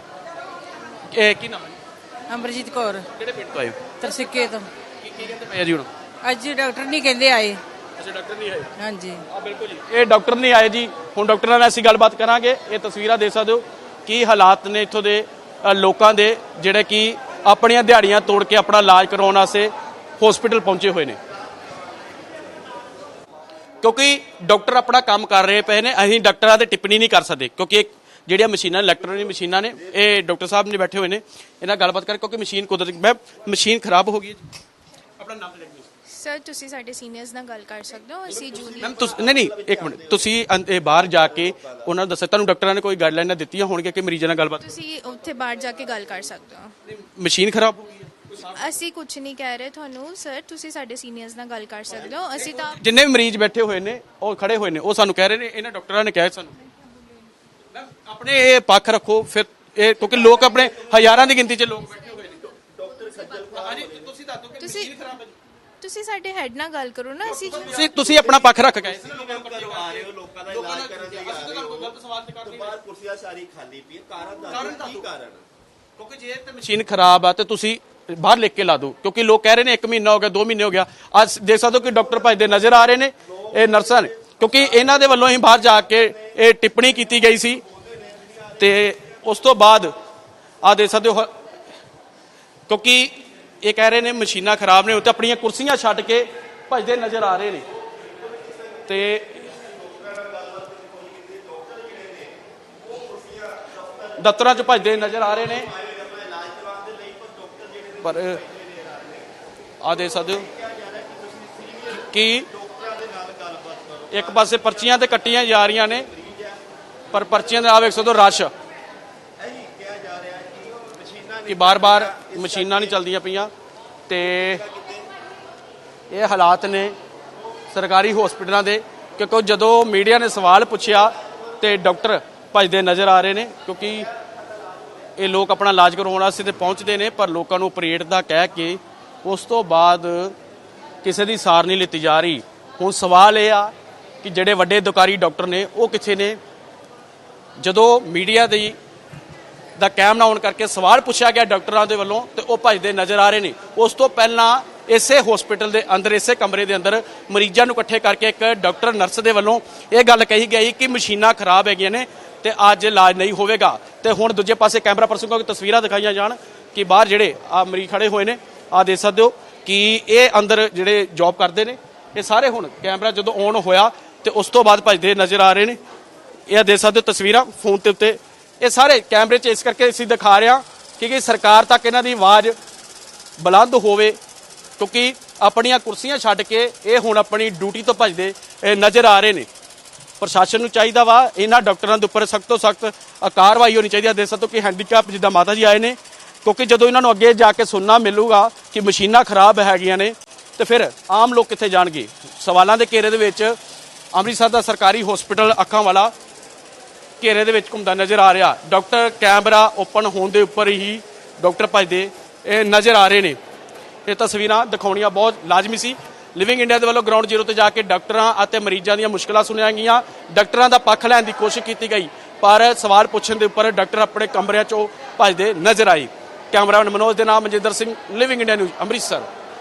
Speaker 1: ਇਹ ਕੀ ਨਾਮ ਹੈ?
Speaker 10: ਅਮਰਜੀਤ ਕੌਰ।
Speaker 1: ਕਿਹੜੇ ਪਿੰਡ ਤੋਂ ਆਏ ਹੋ?
Speaker 10: ਤਰਸਿੱਕੇ ਤੋਂ।
Speaker 1: ਕੀ ਕੀ ਕਹਿੰਦੇ ਪਏ ਆ ਜੀ ਹੁਣ?
Speaker 10: ਅੱਜ ਡਾਕਟਰ ਨਹੀਂ ਕਹਿੰਦੇ ਆਏ।
Speaker 1: ਅੱਛਾ, ਡਾਕਟਰ ਨਹੀਂ ਆਏ।
Speaker 10: ਹਾਂਜੀ
Speaker 1: ਆ ਬਿਲਕੁਲ ਜੀ, ਇਹ ਡਾਕਟਰ ਨਹੀਂ ਆਏ ਜੀ। ਹੁਣ ਡਾਕਟਰਾਂ ਨਾਲ ਅਸੀਂ ਗੱਲਬਾਤ ਕਰਾਂਗੇ। ਇਹ ਤਸਵੀਰਾਂ ਦੇਖ ਸਕਦੇ ਹੋ ਕੀ ਹਾਲਾਤ ਨੇ ਇੱਥੋਂ ਦੇ ਅ, ਲੋਕਾਂ ਦੇ ਜਿਹੜੇ ਕਿ ਆਪਣੀਆਂ ਦਿਹਾੜੀਆਂ ਤੋੜ ਕੇ ਆਪਣਾ ਇਲਾਜ ਕਰਵਾਉਣ ਵਾਸਤੇ ਹਸਪੀਟਲ ਪਹੁੰਚੇ ਹੋਏ ਨੇ ਕਿਉਂਕਿ ਡਾਕਟਰ ਆਪਣਾ ਕੰਮ ਕਰ ਰਹੇ ਪਏ ਨੇ। ਅਸੀਂ ਡਾਕਟਰਾਂ ਤੇ ਟਿੱਪਣੀ ਨਹੀਂ ਕਰ ਸਕਦੇ ਕਿਉਂਕਿ ਜਿਹੜੀਆਂ ਮਸ਼ੀਨਾਂ ਇਲੈਕਟ੍ਰੋਨਿਕ ਮਸ਼ੀਨਾਂ ਨੇ, ਇਹ ਡਾਕਟਰ ਸਾਹਿਬ ਨੇ ਬੈਠੇ ਹੋਏ ਨੇ, ਇਹਨਾਂ ਗੱਲਬਾਤ ਕਰ ਕਿਉਂਕਿ ਮਸ਼ੀਨ ਕੁਦਰਤੀ ਮੈਂ ਮਸ਼ੀਨ ਖਰਾਬ ਹੋ ਗਈ। ਆਪਣਾ ਨਾਮ ਲੈ
Speaker 11: ਸਰ ਤੁਸੀਂ ਸਾਡੇ ਸੀਨੀਅਰਸ ਨਾਲ ਗੱਲ ਕਰ ਸਕਦੇ ਹੋ। ਅਸੀਂ ਜੂਨੀਅਰ
Speaker 1: ਮੈਮ ਤੁਸੀਂ ਨਹੀਂ ਨਹੀਂ ਇੱਕ ਮਿੰਟ, ਤੁਸੀਂ ਅੰ- ਇਹ ਬਾਹਰ ਜਾ ਕੇ ਉਹਨਾਂ ਨੂੰ ਦੱਸਿਆ ਤੁਹਾਨੂੰ ਡਾਕਟਰਾਂ ਨੇ ਕੋਈ ਗਾਈਡਲਾਈਨਾਂ ਦਿੱਤੀਆਂ ਹੋਣਗੀਆਂ ਕਿ ਮਰੀਜ਼ਾਂ ਨਾਲ ਗੱਲਬਾਤ?
Speaker 11: ਤੁਸੀਂ ਉੱਥੇ ਬਾਹਰ ਜਾ ਕੇ ਗੱਲ ਕਰ ਸਕਦੇ ਹੋ।
Speaker 1: ਮਸ਼ੀਨ ਖਰਾਬ ਹੋ ਗਈ ਹੈ।
Speaker 11: ਅਸੀਂ ਕੁਝ ਨਹੀਂ ਕਹਿ ਰਹੇ ਤੁਹਾਨੂੰ ਸਰ, ਤੁਸੀਂ ਸਾਡੇ ਸੀਨੀਅਰਸ ਨਾਲ ਗੱਲ ਕਰ ਸਕਦੇ ਹੋ। ਅਸੀਂ ਤਾਂ
Speaker 1: ਜਿੰਨੇ ਵੀ ਮਰੀਜ਼ ਬੈਠੇ ਹੋਏ ਨੇ ਉਹ ਖੜੇ ਹੋਏ ਨੇ, ਉਹ ਸਾਨੂੰ ਕਹਿ ਰਹੇ ਨੇ ਇਹਨਾਂ ਡਾਕਟਰਾਂ ਨੇ ਕਿਹਾ ਸਾਨੂੰ ਮੈਮ ਆਪਣੇ ਇਹ ਪੱਖ ਰੱਖੋ ਫਿਰ ਇਹ ਕਿਉਂਕਿ ਲੋਕ ਆਪਣੇ ਹਜ਼ਾਰਾਂ ਦੀ ਗਿਣਤੀ 'ਚ ਲੋਕ ਬੈਠੇ ਹੋਏ ਨੇ। ਡਾਕਟਰ ਹਾਂਜੀ ਤੁਸੀਂ ਦੱਸੋ ਕਿ
Speaker 11: ਤੁਸੀਂ
Speaker 1: ਮਸ਼ੀਨ ਖਰਾਬ ਹੈ ਜੀ।
Speaker 11: ਤੁਸੀਂ ਸਾਡੇ ਹੈਡ ਨਾਲ ਗੱਲ ਕਰੋ ਨਾ। ਅਸੀਂ
Speaker 1: ਤੁਸੀਂ ਤੁਸੀਂ ਆਪਣਾ ਪੱਖ ਰੱਖ ਗਏ
Speaker 12: ਆ ਰਹੇ ਹੋ ਲੋਕਾਂ ਦਾ ਇਲਾਜ ਕਰਨ ਲਈ ਆ ਰਹੇ ਹੋ ਬਾਹਰ ਕੁਰਸੀਆਂ ਸਾਰੀ ਖਾਲੀ ਪਈ ਕਾਰਨ ਦਾ ਕੀ ਕਾਰਨ?
Speaker 1: ਕਿਉਂਕਿ ਜੇ ਤੇ ਮਸ਼ੀਨ ਖਰਾਬ ਆ ਤੇ ਤੁਸੀਂ ਬਾਹਰ ਲਿਖ ਕੇ ਲਾ ਦਿਓ ਕਿਉਂਕਿ ਲੋਕ ਕਹਿ ਰਹੇ ਨੇ ਇੱਕ ਮਹੀਨਾ ਹੋ ਗਿਆ, ਦੋ ਮਹੀਨੇ ਹੋ ਗਿਆ। ਅੱਜ ਦੇਖ ਸਕਦੇ ਹੋ ਕਿ ਡਾਕਟਰ ਭੱਜਦੇ ਨਜ਼ਰ ਆ ਰਹੇ ਨੇ, ਇਹ ਨਰਸਾਂ ਨੇ, ਕਿਉਂਕਿ ਇਹਨਾਂ ਦੇ ਵੱਲੋਂ ਹੀ ਬਾਹਰ ਜਾ ਕੇ ਇਹ ਟਿੱਪਣੀ ਕੀਤੀ ਗਈ ਸੀ ਤੇ ਉਸ ਤੋਂ ਬਾਅਦ ਆ ਦੇਖ ਸਕਦੇ ਹੋ ਕਿਉਂਕਿ ਇਹ ਕਹਿ ਰਹੇ ਨੇ ਮਸ਼ੀਨਾਂ ਖਰਾਬ ਨੇ, ਉੱਤੇ ਆਪਣੀਆਂ ਕੁਰਸੀਆਂ ਛੱਡ ਕੇ ਭੱਜਦੇ ਨਜ਼ਰ ਆ ਰਹੇ ਨੇ ਤੇ ਦਫ਼ਤਰਾਂ 'ਚ ਭੱਜਦੇ ਨਜ਼ਰ ਆ ਰਹੇ ਨੇ। ਪਰ ਆ ਦੇਖ ਸਕਦੇ ਹੋ ਕਿ ਇੱਕ ਪਾਸੇ ਪਰਚੀਆਂ ਤੇ ਕੱਟੀਆਂ ਜਾ ਰਹੀਆਂ ਨੇ ਪਰ ਪਰਚੀਆਂ ਦੇ ਆ ਵੇਖ ਸਕਦੇ ਹੋ ਰਸ਼ ਕਿ ਬਾਰ-ਬਾਰ ਮਸ਼ੀਨਾਂ ਨਹੀਂ ਚੱਲਦੀਆਂ ਪਈਆਂ ਤੇ ਇਹ ਹਾਲਾਤ ਨੇ ਸਰਕਾਰੀ ਹਸਪੀਟਲਾਂ ਦੇ ਕਿਉਂਕਿ ਜਦੋਂ ਮੀਡੀਆ ਨੇ ਸਵਾਲ ਪੁੱਛਿਆ ਤੇ ਡਾਕਟਰ ਭੱਜਦੇ ਨਜ਼ਰ ਆ ਰਹੇ ਨੇ ਕਿਉਂਕਿ ਇਹ ਲੋਕ ਆਪਣਾ ਇਲਾਜ ਕਰਵਾਉਣ ਵਾਸਤੇ ਤੇ ਪਹੁੰਚਦੇ ਨੇ ਪਰ ਲੋਕਾਂ ਨੂੰ ਆਪਰੇਟ ਦਾ ਕਹਿ ਕੇ ਉਸ ਤੋਂ ਬਾਅਦ ਕਿਸੇ ਦੀ ਸਾਰ ਨਹੀਂ ਲਿੱਤੀ ਜਾ ਰਹੀ। ਹੁਣ ਸਵਾਲ ਇਹ ਆ ਕਿ ਜਿਹੜੇ ਵੱਡੇ ਅਧਿਕਾਰੀ ਡਾਕਟਰ ਨੇ ਉਹ ਕਿੱਥੇ ਨੇ? ਜਦੋਂ ਮੀਡੀਆ ਦੀ ਦਾ ਕੈਮ ਨਾ ਆਉਣ ਕਰਕੇ ਸਵਾਲ ਪੁੱਛਿਆ ਗਿਆ ਡਾਕਟਰਾਂ ਦੇ ਵੱਲੋਂ ਤੇ ਉਹ ਭੱਜਦੇ ਨਜ਼ਰ ਆ ਰਹੇ ਨੇ। ਉਸ ਤੋਂ ਪਹਿਲਾਂ ਇਸੇ ਹਸਪੀਟਲ ਦੇ ਅੰਦਰ ਇਸੇ ਕਮਰੇ ਦੇ ਅੰਦਰ ਮਰੀਜ਼ਾਂ ਨੂੰ ਇਕੱਠੇ ਕਰਕੇ ਇੱਕ ਡਾਕਟਰ ਨਰਸ ਦੇ ਵੱਲੋਂ ਇਹ ਗੱਲ ਕਹੀ ਗਈ ਕਿ ਮਸ਼ੀਨਾਂ ਖਰਾਬ ਹੈਗੀਆਂ ਨੇ ਤੇ ਅੱਜ ਇਲਾਜ ਨਹੀਂ ਹੋਵੇਗਾ। ਤੇ ਹੁਣ ਦੂਜੇ ਪਾਸੇ ਕੈਮਰਾ ਪਰਸਨ ਕੋਲ ਤਸਵੀਰਾਂ ਦਿਖਾਈਆਂ ਜਾਣ ਕਿ ਬਾਹਰ ਜਿਹੜੇ ਆ ਮਰੀਜ਼ ਖੜੇ ਹੋਏ ਨੇ, ਆ ਦੇਖ ਸਕਦੇ ਹੋ ਕਿ ਇਹ ਅੰਦਰ ਜਿਹੜੇ ਜੌਬ ਕਰਦੇ ਨੇ, ਇਹ ਸਾਰੇ ਹੁਣ ਕੈਮਰਾ ਜਦੋਂ ਔਨ ਹੋਇਆ ਤੇ ਉਸ ਤੋਂ ਬਾਅਦ ਭੱਜਦੇ ਨਜ਼ਰ ਆ ਰਹੇ ਨੇ। ਇਹ ਦੇਖ ਸਕਦੇ ਹੋ ਤਸਵੀਰਾਂ ਫੋਨ ਦੇ ਉੱਤੇ, ਇਹ ਸਾਰੇ ਕੈਮਰੇ 'ਚ ਇਸ ਕਰਕੇ ਅਸੀਂ ਦਿਖਾ ਰਹੇ ਹਾਂ ਕਿ ਸਰਕਾਰ ਤੱਕ ਇਹਨਾਂ ਦੀ ਆਵਾਜ਼ ਬੁਲੰਦ ਹੋਵੇ, ਕਿਉਂਕਿ ਆਪਣੀਆਂ ਕੁਰਸੀਆਂ ਛੱਡ ਕੇ ਇਹ ਹੁਣ ਆਪਣੀ ਡਿਊਟੀ ਤੋਂ ਭੱਜਦੇ ਨਜ਼ਰ ਆ ਰਹੇ ਨੇ। ਪ੍ਰਸ਼ਾਸਨ ਨੂੰ ਚਾਹੀਦਾ ਵਾ ਇਹਨਾਂ ਡਾਕਟਰਾਂ ਦੇ ਉੱਪਰ ਸਖਤ ਤੋਂ ਸਖਤ ਕਾਰਵਾਈ ਹੋਣੀ ਚਾਹੀਦੀ ਹੈ। ਦੇਖ ਸਕਦੇ ਹੋ ਕਿ ਹੈਂਡੀਕੈਪ ਜਿੱਦਾਂ ਮਾਤਾ ਜੀ ਆਏ ਨੇ, ਕਿਉਂਕਿ ਜਦੋਂ ਇਹਨਾਂ ਨੂੰ ਅੱਗੇ ਜਾ ਕੇ ਸੁਣਨਾ ਮਿਲੂਗਾ ਕਿ ਮਸ਼ੀਨਾਂ ਖਰਾਬ ਹੈਗੀਆਂ ਨੇ ਤੇ ਫਿਰ ਆਮ ਲੋਕ ਕਿੱਥੇ ਜਾਣਗੇ। ਸਵਾਲਾਂ ਦੇ ਘੇਰੇ ਦੇ ਵਿੱਚ ਅੰਮ੍ਰਿਤਸਰ ਦਾ ਸਰਕਾਰੀ ਹਸਪੀਟਲ ਅੱਖਾਂ ਵਾਲਾ ਘੇਰੇ ਦੇ ਵਿੱਚ ਘੁੰਮਦਾ ਨਜ਼ਰ ਆ ਰਿਹਾ। ਡਾਕਟਰ ਕੈਮਰਾ ਓਪਨ ਹੋਣ ਦੇ ਉੱਪਰ ਹੀ ਡਾਕਟਰ ਭੱਜਦੇ ਇਹ ਨਜ਼ਰ ਆ ਰਹੇ ਨੇ। ਇਹ ਤਸਵੀਰਾਂ ਦਿਖਾਉਣੀਆਂ ਬਹੁਤ ਲਾਜ਼ਮੀ ਸੀ। ਲਿਵਿੰਗ ਇੰਡੀਆ ਦੇ ਵੱਲੋਂ ਗਰਾਊਂਡ ਜ਼ੀਰੋ ਤੇ ਜਾ ਕੇ ਡਾਕਟਰਾਂ ਅਤੇ ਮਰੀਜ਼ਾਂ ਦੀਆਂ ਮੁਸ਼ਕਲਾਂ ਸੁਣੀਆਂ ਗਈਆਂ, ਡਾਕਟਰਾਂ ਦਾ ਪੱਖ ਲੈਣ ਦੀ ਕੋਸ਼ਿਸ਼ ਕੀਤੀ ਗਈ, ਪਰ ਸਵਾਲ ਪੁੱਛਣ ਦੇ ਉੱਪਰ ਡਾਕਟਰ ਆਪਣੇ ਕਮਰਿਆਂ 'ਚੋਂ ਭੱਜਦੇ ਨਜ਼ਰ ਆਏ। ਕੈਮਰਾਮੈਨ ਮਨੋਜ ਦੇ ਨਾਮ Manjinder Singh, living India news, Amritsar.